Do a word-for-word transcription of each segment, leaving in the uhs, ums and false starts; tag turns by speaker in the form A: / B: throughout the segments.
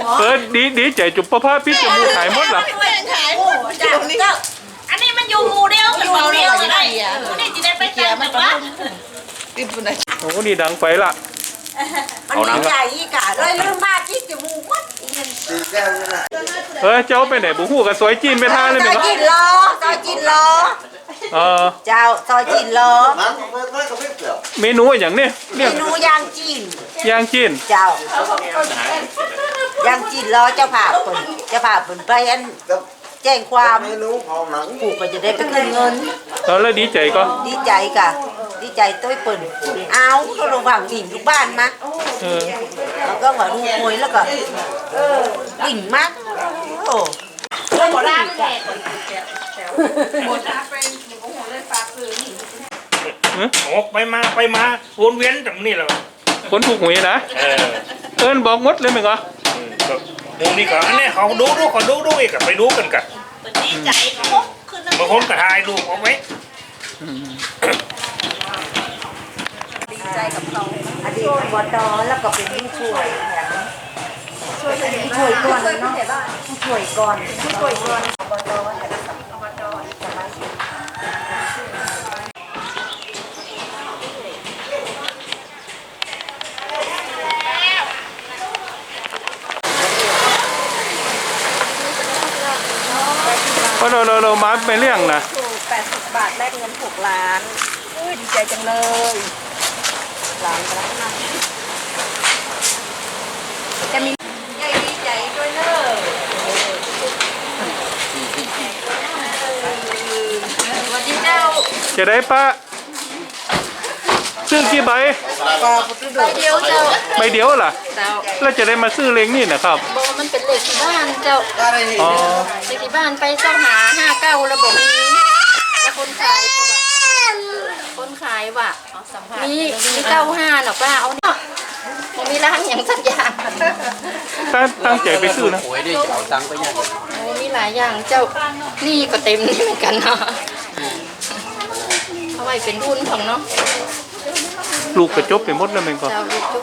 A: เออดีดีใจจุบประพาพิษจมูกหายหมดเหรอ
B: อันนี้มันอยู่หมู่เดียวกันหมู่เดียวกันได้ผู้นี้จะได้ไปแจ้งแต่ว่า
A: โอ้นี่ดังไปละ
C: มันใหญ่กะเลยเริ่มบ้าที่จมูกวัด
A: เออเจ้าไปไหนบุหูกับซอยจีนไปท่าเลยไหม
C: ซอยจีนรอซอยจีนรอ
A: เออ
C: เจ้าซอยจีนรอ
A: เมนูอย่างเนี้ย
C: เมนูย่างจีน
A: ย่างจีน
C: เจ้าย่างจีนรอเจ้าผ่าเปิดเจ้าผ่าเปิดไปอันแจ้งความผูกก็จะได้ไปขึ้นเงิน
A: เออแล้วดีใจก็
C: ดีใจกะดีใจต้วยเปิดเอาเขาลงฝั่งดิ่งลูกบ้านมาแล้วก็ว่าดูมวยแล้วก็ดิ่งมากโอ้
B: หมดแล้วแหละหมดแล้วเป็นโอ้โหเลยฝากซื้อ
D: โอ้ไปมาไปมาวนเวียนตรงนี้แหละ
A: คนถูกหวยนะเออเอิญบอกมดเลยไหมก็
D: ตรงนี้ก่อนอันนี้เขาดูดูเขาดูดูอีกไปดูกันกัน
B: ดีใจเขาขึ้น
D: บางคนก็ถ่ายรูปเอาไว้
C: ดีใจกับเขาอดีตอบตแล้วก็เป็นผู้ช่วยช่วยช่วยก่อนเนาะช่วยก่อนช่วยก่อนอบตแต่ละอบตสมาชิก
A: เพราะเราเราเรามาไปเรื่องนะ
C: แปดสิบบาทแลกเงินหกล้านอุ้ยดีใจจังเลยล้านล้านนะจะมีใหญ่ดีใจด้วยเนอะวันที่เจ้า
A: จะได้ปะซื้อกี่ใบ
B: ใบเดียวเจ้า
A: ใบเดียวล่ะแล้วจะได้มาซื้อเลงนี่นะครับ
B: โบมันเป็นเลขที่บ้านเจ้า
A: อ๋อ
B: เลขที่บ้านไปเจ้าหาห้าเก้าระบบนี้แล้วคนขายก็แบบคนขายว่ะมีมีเก้าห้าหรอป้าเอาเนี่ยมันมีร้านอย่างสักอย่าง
A: ตั้งตั้งใจไปซื้อนะ
E: โอ้ยได้จะเอาตังค์ไปยัง
B: โอ้มีหลายอย่างเจ้านี่ก็เต็มนี่เหมือนกันเนาะเอาไว้เป็นทุนของเนาะ
A: ลูกกระจบไปหมดแล้วมันก็
B: เจ้าลูกจุ๊บ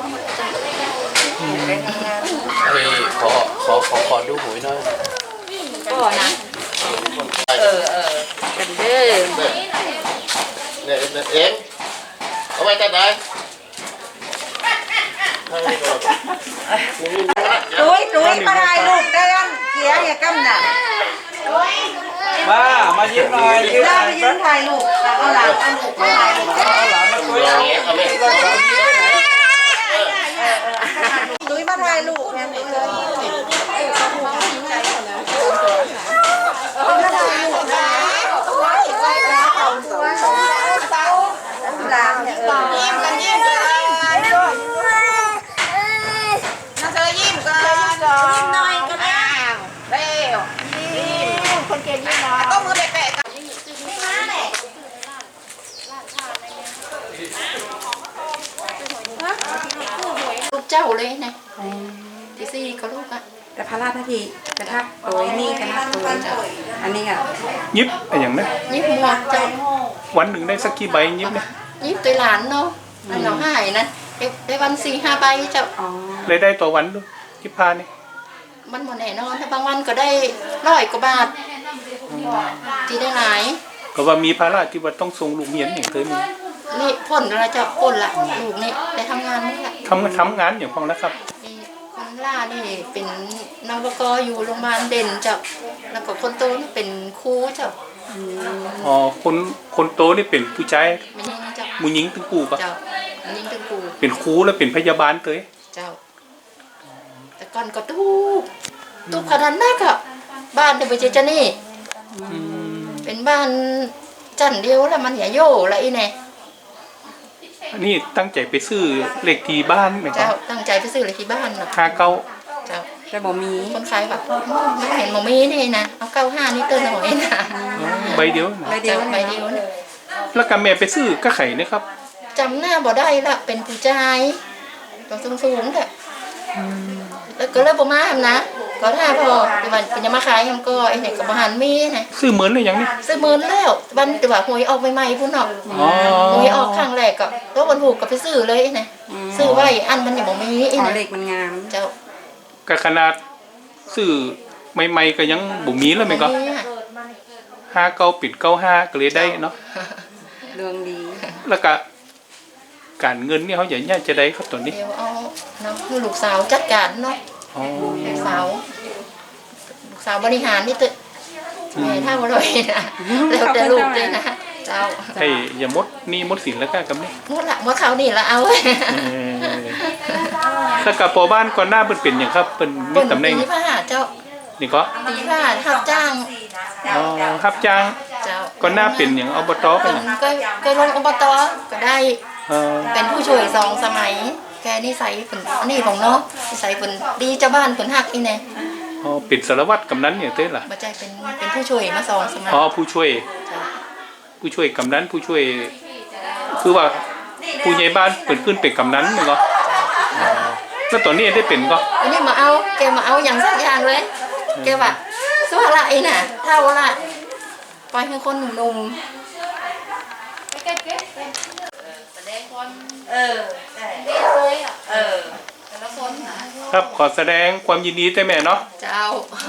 E: เฮ้ยขอขอขอขอดูหวยหน่อย
B: ก็นะเออเออกันเด้อ
F: เนี่ยเองเอาไว้แต่ไหน
C: ตุ้ยตุ้ยมาถ่ายรูปได้ยังเกียร์อย่ากำน่ะ
E: มามายิ้มหน่อย
C: ยิ้มมายิ้มถ่ายรูปเอาหลานเอาหลานถ่ายรูป
E: เอาหลานมาคุยเอา
C: ตุ้ยมาถ่ายรูปแม่ตุ้ยเลยเอามาถ่ายรูปนะไว้ไว้แล้วเอาตัวหลานเนี่ยเออยิ้มกันยิ้มกันน่าเธอยิ้มกันยิ้มหน่อยก็ได้เร็วยิ้มคนเก่งยิ้มหน่อยต้องมือแปะๆกันไม่มาแหละ
B: ลูกเจ้าเลยนะที่สี่ก็ลูกอ่ะ
C: แต่พระราชทีกระทักโอ้ยนี่กระทักตัวอันนี้อ่ะ
A: ยิบอะไรอย่างนี้
B: ยิบหมวกเจ้า
A: วันหนึ่งได้สักกี่ใบยิบเนี่ย
B: ยิบตัวหลานเนาะมันเราหายนะได้วันสี่ห้าใบเจ้า
A: เลยได้ต่อวันด้วยยิบพานี่
B: มันหมดแน่นอนแต่บางวันก็ได้ร้อยกว่าบาทที่ได้หลาย
A: ก็ว่ามีภาระที่ว่าต้องส่งลูกเรียนอย่างเคยมี
B: นี่พ่นอะไรเจ้าพ่นละลูกนี่ได้ทำงานมั้งละ
A: ทำทำงานอย่างพองแล้วครับ
B: คนล่านี่เป็นนวกอยู่โรงพยาบาลเด่นเจ้าแล้วก็คนโตนี่เป็นครูเจ้า
A: อ๋อคนคนโตนี่เป็นผู้ชาย
B: ไม่ใช่เจ้า
A: มูหญิงตึงกูปะ
B: เจ้ามูหญิงตึงกู
A: เป็นครูแล้วเป็นพยาบาลเตย
B: เจ้าแต่ก่อนก็ตู้ตู้ขนาดนั้นก็บ้านเดบิวเจนี่เป็นบ้านจันเดียวแล้วมันอย่าโย่ละอีเนี่ย
A: นี่ตั้งใจไปซื้อเลขที่บ้านไหมครับ
B: เจ้าตั้งใจไปซื้อเลขที่บ้านเนาะ
A: ห้าเก้า
B: เจ้า
C: แต่บ่มี
B: คนขายแบบไม่เห็นบ่มีนี่นะเอาเก้าห้านี่เติมหน่อยนะ
A: ใบเดียว
B: ใบเดียวใบเดียว
A: แล้วกับแม่ไปซื้อก็ไข่นะครับ
B: จำหน้าบ่ได้ละเป็นผู้ชายตัวสูงๆแหละแล้วก็เลยบ่มาทำนะก็ถ้าพอที่มันเป็นยังมาขายยังก็ไอ้เนี่ยกับอาหารมีนะ
A: ซื้อเหมือนเลยอย่างนี้
B: ซื้อเหมือนแล้ววันแต่ว่าหวยออกใหม่ๆพุ่นเนาะหวยออกครั้งแรกก็แล้ววันถูกก็ไปซื้อเลยนะซื้อไว้อันมันยังบ่มี
C: ไอ้เนี่ยเลขมันงาม
A: เจ้ากับขนาดซื้อใหม่ๆก็ยังบ่มีแล้วแม่นก็
B: นี่ค่ะ
A: ห้าเก้าปิดเก้าห้าก็เลยได้เนาะ
C: เรื่องดี
A: แล้วก็การเงินนี่เขาอย่างนี้จะได้ครับตัวนี้
B: เดี๋ยวเอาเนาะคือลูกสาวจัดการเนาะ
A: อ๋อ
B: ลูกสาวลูกสาวบริหารนี่ตึแม่ถ้าบ่เลยนะแล้วแต่ลูกเลยนะเจ้า
A: ให้อย่ามดหนี่มดสินแล้วก็กับนี่
B: หมดละว่าเขานี่ละเอา
A: เออแล้วกับพอบ้านก่อนหน้าเพิ่นเป็นอย่างครับเพิ่นมี
B: เปิ่น
A: ตำแหน่ง
B: ตีผ้าเจ้า
A: นี่ก็
B: ตีผ้าทับจ้าง
A: อ๋อรับจ้าง
B: เจ้า
A: ก่อนหน้าเป็นอย่างอบตเป็
B: เปิ่
A: น
B: น
A: อย่าง
B: ก็ก็ลงอบตก็ได้
A: เออ
B: เป็นผู้ช่วยสองสมัย แกนิสัยเปิ่นอันนี้ของเนาะนิสัยเปิ่นดีเจ้าบ้านเปิ่นฮักอีแน่
A: อ๋อเป็นสารวัตรกำนันอย่างเต้ล่ะ
B: บ่ใจเป็นเป็นผู้ช่วยมาสองสมัย
A: อ๋อผู้ช่วย ผู้ช่วยกำนันผู้ช่วย คือว่าผู้ใหญ่บ้านเปิดขึ้นเป็นกำนันมั้งก็อ๋อแล้วตอนนี้ได้เป็นก็
B: อันนี้มาเอาแกมาเอาอย่างสักอย่างเลยแกว่าสู้ละไอ้น่ะเท่าละปล่อยให้คนหนุ่มๆแสดงความ
C: เออใช่
B: เด็กเลยอ่ะ
C: เออ
B: แต่ละคนนะ
A: ครับขอแสดงความยินดีแต่แม่เนาะ
B: เจ้า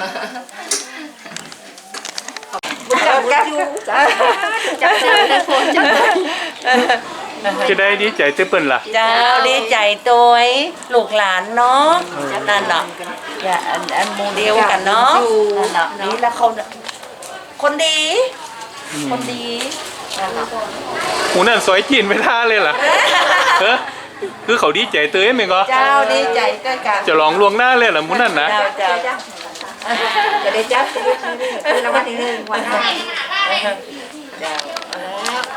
C: จับจับจับ
B: จับเจ้าได้คนจับได้
A: จะได้ดีใจเต้เปิ้นล่ะ
C: เจ้าดีใจตัวไอ้ลูกหลานเนาะนั่นเนาะอย่าอันอันโมเดลกันเนาะนั่นเนาะนี่แล้วเขาคนดี คนดีนั่นเนาะ
A: หูนั่นซอยจีนไปท่าเลยล่ะเออคือเขาดีใจเต้ยมั้งก็
C: เจ้าดีใจด้วยกัน
A: จะลองลวงหน้าเลยล่ะหมูนั่นนะ
C: เจ้าเจ้าเจ้าจะได้จับคือรางวัลที่หนึ่งวันหน้าเจ้า